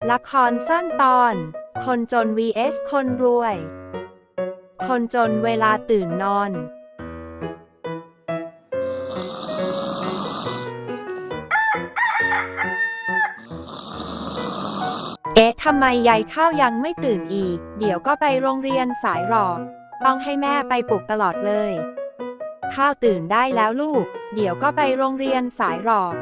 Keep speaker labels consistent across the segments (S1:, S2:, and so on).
S1: ละครสั้นตอน คนจน vs คนรวย คนจนเวลาตื่นนอน ทำไมยายข้าวยังไม่ตื่นอีก เดี๋ยวก็ไปโรงเรียนสายหรอก ต้องให้แม่ไปปลุกตลอดเลย ข้าวตื่นได้แล้วลูก เดี๋ยวก็ไปโรงเรียนสายหรอก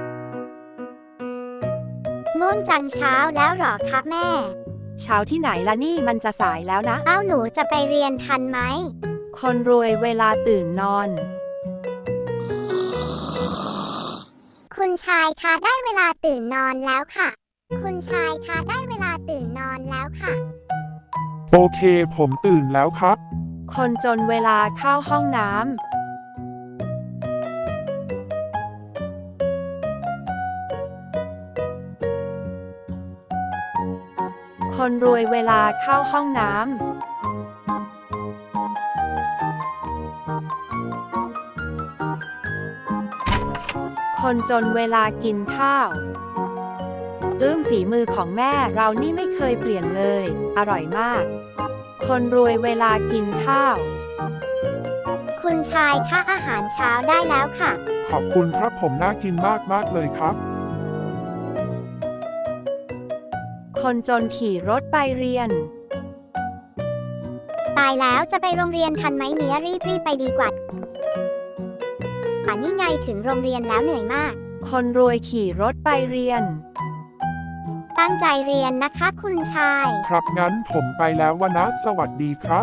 S2: ง่วงจังเช้าแล้วหรอคะแม่
S1: เช้าที่ไหนล่ะนี่มันจะสายแล้วนะ
S2: หนูจะไปเรียนทันไหม
S1: คนรวยเวลาตื่นนอน
S2: คุณชายคะได้เวลาตื่นนอนแล้วค่ะ คุณชายคะได้เวลาตื่นนอนแล้วค่ะ
S3: โอเคผมตื่นแล้วครับ
S1: คนจนเวลาเข้าห้องน้ำ คนรวยเวลาเข้าห้องน้ำ คนจนเวลากินข้าวฝีมือของแม่เรานี่ไม่เคยเปลี่ยนเลย อร่อยมาก คนรวยเวลากินข้าว
S2: คุณชายคะอาหารเช้าได้แล้วค่ะ
S3: ขอบคุณครับผมน่ากินมากเลยครับ
S1: คนจนขี่รถไปเรียน
S2: ตายแล้วจะไปโรงเรียนทันไหมเนี่ยรีบไปดีกว่านี่ไงถึงโรงเรียนแล้วเหนื่อยมาก
S1: คนรวยขี่รถไปเรียน
S2: ตั้งใจเรียนนะคะคุณชาย
S3: ครับงั้นผมไปแล้ววนะสวัสดีครับ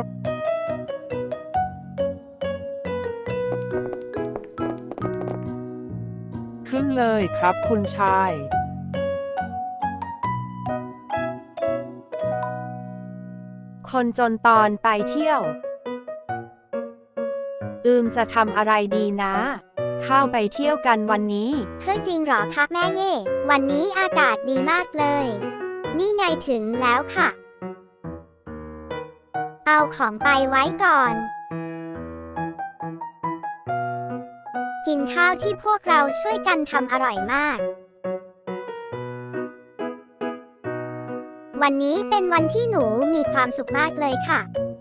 S1: ครึ่งเลยครับคุณชาย คนจนตอนไปเที่ยวจะทำอะไรดีนะเข้าไปเที่ยวกันวันนี้
S2: เฮ้ยจริงเหรอคะแม่เย่วันนี้อากาศดีมากเลย นี่ไงถึงแล้วค่ะ เอาของไปไว้ก่อน กินข้าวที่พวกเราช่วยกันทำอร่อยมาก วันนี้เป็นวันที่หนูมีความสุขมากเลยค่ะ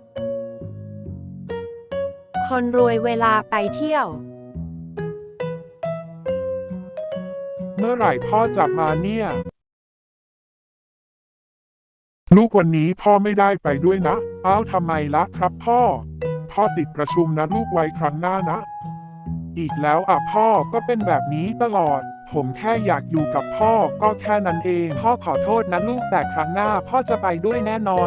S1: คนรวยเวลาไปเที่ยว
S3: เมื่อไหร่พ่อจะมาเนี่ย ลูกวันนี้พ่อไม่ได้ไปด้วยนะทำไมล่ะครับพ่อติดประชุมนะลูกไว้ครั้งหน้านะ อีกแล้วพ่อก็เป็นแบบนี้ตลอด ผมแค่อยากอยู่กับพ่อก็แค่นั้นเองพ่อขอโทษนะลูกแต่ครั้งหน้าพ่อจะไปด้วยแน่นอน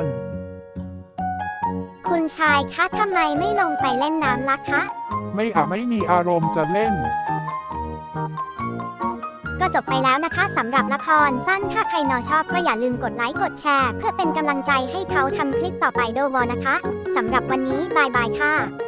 S2: คุณชายคะทำไมไม่ลงไปเล่นน้ำล่ะคะ
S3: ไม่มีอารมณ์จะเล่น
S2: ก็จบไปแล้วนะคะสำหรับละครสั้นถ้าใครชอบก็อย่าลืมกดไลค์กดแชร์เพื่อเป็นกำลังใจให้เขาทำคลิปต่อไปด้วยนะคะสำหรับวันนี้บายบายค่ะ